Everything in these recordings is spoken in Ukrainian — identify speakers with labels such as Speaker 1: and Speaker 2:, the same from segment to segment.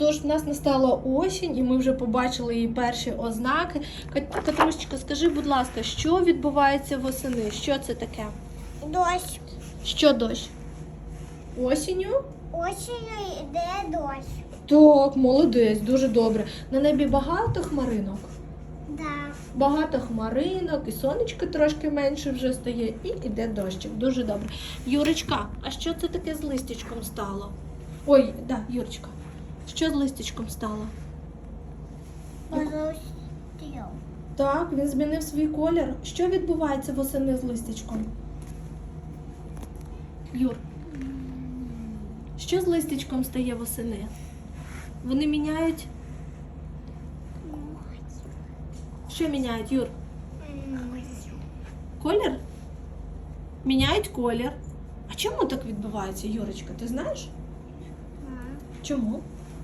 Speaker 1: Тож в нас настала осінь, і ми вже побачили її перші ознаки. Катрусечка, скажи, будь ласка, що відбувається восени? Що це таке?
Speaker 2: Дощ.
Speaker 1: Що дощ? Осінню?
Speaker 2: Осінню йде дощ.
Speaker 1: Так, молодець, дуже добре. На небі багато хмаринок?
Speaker 2: Да.
Speaker 1: Багато хмаринок, і сонечко трошки менше вже стає, і йде дощик. Дуже добре. Юрочка, а що це таке з листячком стало? Ой, да, Юрочка, що з листячком стало?
Speaker 2: Поростів.
Speaker 1: Так, він змінив свій колір. Що відбувається восени з листячком? Юр, що з листячком стає восени? Вони міняють? Що міняють, Юр? Колір? Міняють колір. А чому так відбувається, Юрочка, ти знаєш? Чому?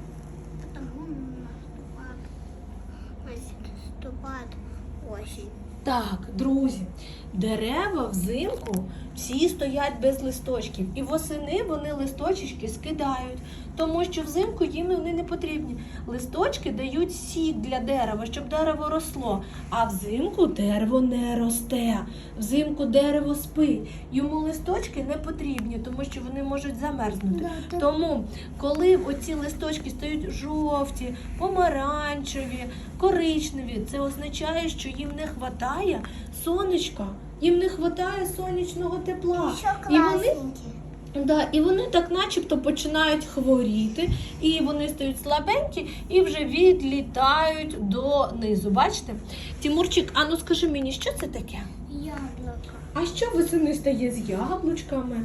Speaker 2: Наступає осінь.
Speaker 1: Так, друзі, дерева взимку всі стоять без листочків. І восени вони листочки скидають, тому що взимку їм вони не потрібні. Листочки дають сік для дерева, щоб дерево росло. А взимку дерево не росте. Взимку дерево спить. Йому листочки не потрібні, тому що вони можуть замерзнути. Тому, коли оці листочки стають жовті, помаранчеві, коричневі, це означає, що їм не вистачає сонечка, їм не вистачає сонячного тепла.
Speaker 2: Що
Speaker 1: І вони,
Speaker 2: класненькі.
Speaker 1: і вони так начебто починають хворіти, і вони стають слабенькі і вже відлітають донизу. Бачите? Тимурчик, а ну скажи мені, що це таке?
Speaker 2: Яблуко.
Speaker 1: А що восени стає з яблучками?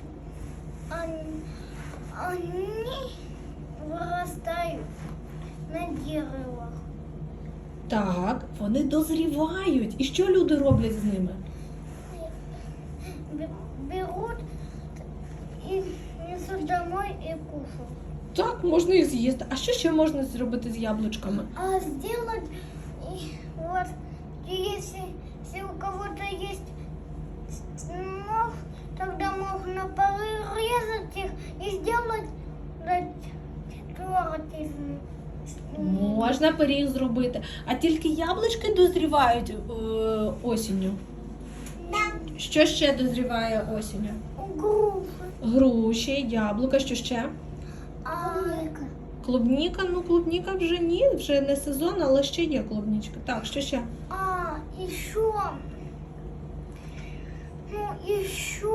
Speaker 2: Они вырастают на деревах.
Speaker 1: Так, вони дозрівають. І що люди роблять з ними?
Speaker 2: Берут и несут домой и кушают.
Speaker 1: Так, можна і з'їсти. А що ще можна зробити з яблучками?
Speaker 2: А сделать, и вот, если у кого-то есть нож, тогда можно порезать их и сделать торт из них.
Speaker 1: Можна пиріг зробити. А тільки яблучки дозрівають осінню.
Speaker 2: Да.
Speaker 1: Що ще дозріває осінню?
Speaker 2: Груши.
Speaker 1: Груші, яблука, що ще? Клубніка, ну клубніка вже ні, вже не сезон, але ще є клубнічка. Так, що ще?
Speaker 2: Еще. Ну, еще.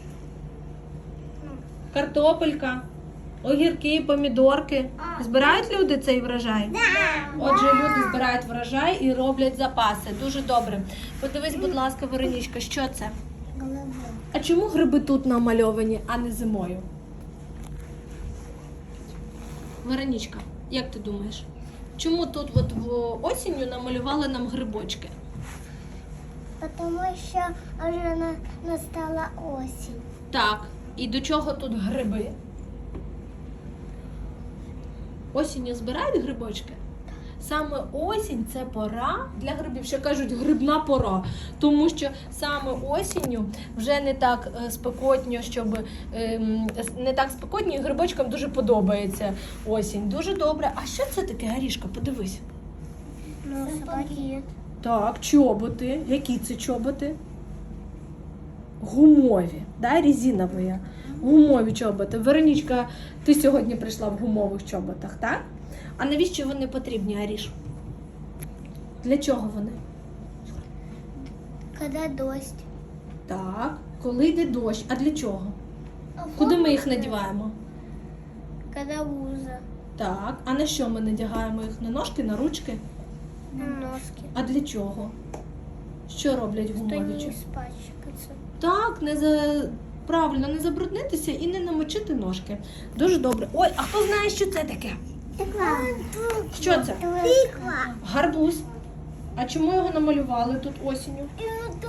Speaker 1: Картопелька, огірки, помідорки. Збирають люди цей врожай? Отже, люди збирають врожай і роблять запаси. Дуже добре. Подивись, будь ласка, Веронічка, що це? А чому гриби тут намальовані, а не зимою? Веронічка, як ти думаєш? Чому тут от осінню намалювали нам грибочки?
Speaker 2: Потому что уже настала осень.
Speaker 1: Так, і до чого тут гриби? Осінню збирають грибочки? Саме осінь – це пора для грибів, що кажуть грибна пора, тому що саме осінню вже не так спекотно, не так спекотно, і грибочкам дуже подобається осінь. Дуже добре. А що це таке, Арішка? Подивись.
Speaker 2: Сапоги.
Speaker 1: Так, чоботи. Які це чоботи? Гумові, да, резинові. Гумові чоботи. Веронічка, ти сьогодні прийшла в гумових чоботах, так? А навіщо вони потрібні, Аріш? Для чого вони?
Speaker 2: Когда дождь.
Speaker 1: Так, коли йде дощ. А для чого? Куди ми їх надіваємо?
Speaker 2: Когда луза.
Speaker 1: Так, а на що ми надягаємо їх? На ножки, на ручки?
Speaker 2: На носки.
Speaker 1: А для чого? Що роблять
Speaker 2: Что
Speaker 1: гумові
Speaker 2: не
Speaker 1: чоботи?
Speaker 2: испачкаться.
Speaker 1: Так, правильно, не забруднитися і не намочити ножки. Дуже добре. Ой, а хто знає, що це таке? Що це?
Speaker 2: Тыква.
Speaker 1: Гарбуз. А чому його намалювали тут осінню?
Speaker 2: И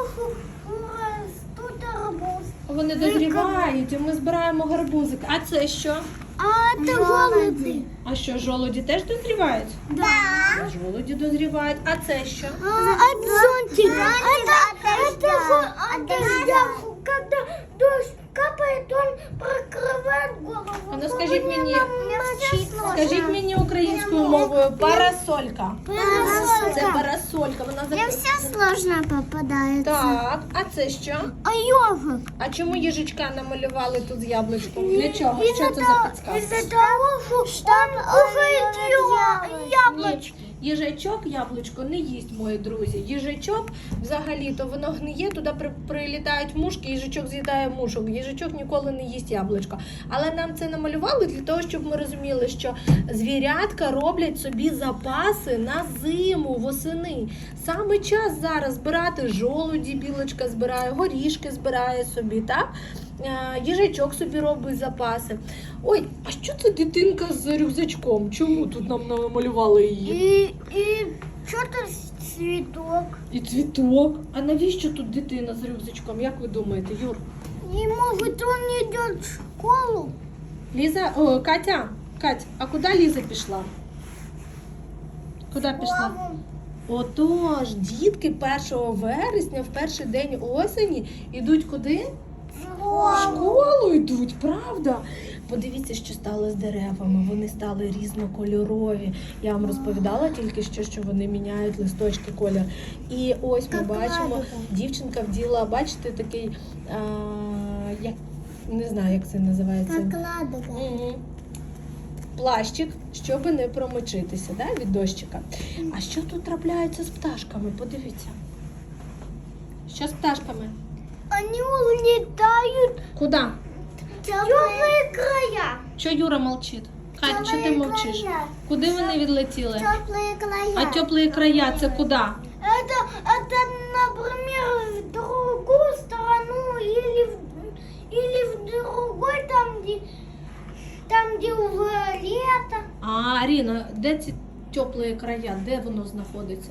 Speaker 2: тут арбуз.
Speaker 1: Вони дозрівають, і ми збираємо гарбузик. А це що?
Speaker 2: А это голуби.
Speaker 1: А що, жолуді теж дозрівають?
Speaker 2: Да.
Speaker 1: Жолуді дозрівають. А це що?
Speaker 2: От зонтика. Это дождя. Когда дождь капает, он прикрывает голову.
Speaker 1: А ну скажіть мені, скажіть мені
Speaker 2: Мне
Speaker 1: українською мовою парасолька. Це
Speaker 2: Парасолька.
Speaker 1: парасолька. Вона
Speaker 2: Мне все сложно попадается.
Speaker 1: Так, а це що?
Speaker 2: А ежик?
Speaker 1: А чому їжачка намалювали тут з яблучком? Для чого? Що це за підсказка?
Speaker 2: Из-за того, что он кушает яблочко.
Speaker 1: Ні, їжачок яблучко не їсть, мої друзі. Їжачок взагалі-то воно гниє, туди прилітають мушки, їжачок з'їдає мушок. Їжачок ніколи не їсть яблучко. Але нам це намалювали для того, щоб ми розуміли, що звірятка роблять собі запаси на зиму, восени. Саме час зараз збирати жолуді, білочка збирає, горішки збирає собі, так? Їжачок собі робить запаси. Ой, а що це дитинка з рюкзачком? Чому тут нам намалювали її?
Speaker 2: И что-то цветок.
Speaker 1: І цвіток. А навіщо тут дитина з рюкзачком? Як ви думаєте, Юр?
Speaker 2: И может он идет в школу?
Speaker 1: Ліза, Катя, а куди Ліза пішла? Куди пішла? Отож, дітки 1 вересня, в перший день осені, йдуть куди? В школу йдуть, правда? Подивіться, що стало з деревами. Вони стали різнокольорові. Я вам розповідала тільки що вони міняють листочки колір. І ось ми
Speaker 2: Як
Speaker 1: бачимо,
Speaker 2: ладока.
Speaker 1: дівчинка вділа, бачите, такий, як, не знаю, як це називається.
Speaker 2: Как ладога.
Speaker 1: Мгм. Плащик, щоб не промочитися, да, від дощика. А що тут трапляється з пташками? Подивіться. Що з пташками?
Speaker 2: Они улетают
Speaker 1: Куди?
Speaker 2: в теплые края.
Speaker 1: Що Юра мовчить? Кать, що ти мовчиш?
Speaker 2: края.
Speaker 1: Куди вони відлетіли?
Speaker 2: Теплые края.
Speaker 1: А теплі края це куди?
Speaker 2: Это, например, в другую страну или в другой, там, где уже лето.
Speaker 1: А, Аріна, де ці теплі края? Де воно знаходиться?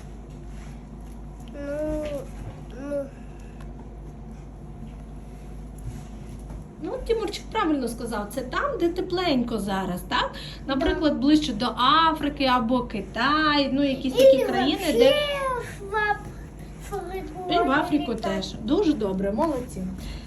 Speaker 1: Ну, Тимурчик правильно сказав, це там, де тепленько зараз, так? Наприклад, ближче до Африки або Китай, ну якісь такі
Speaker 2: Или
Speaker 1: країни,
Speaker 2: вообще
Speaker 1: де
Speaker 2: в Африку.
Speaker 1: і в Африку
Speaker 2: летать.
Speaker 1: теж. Дуже добре, молодці.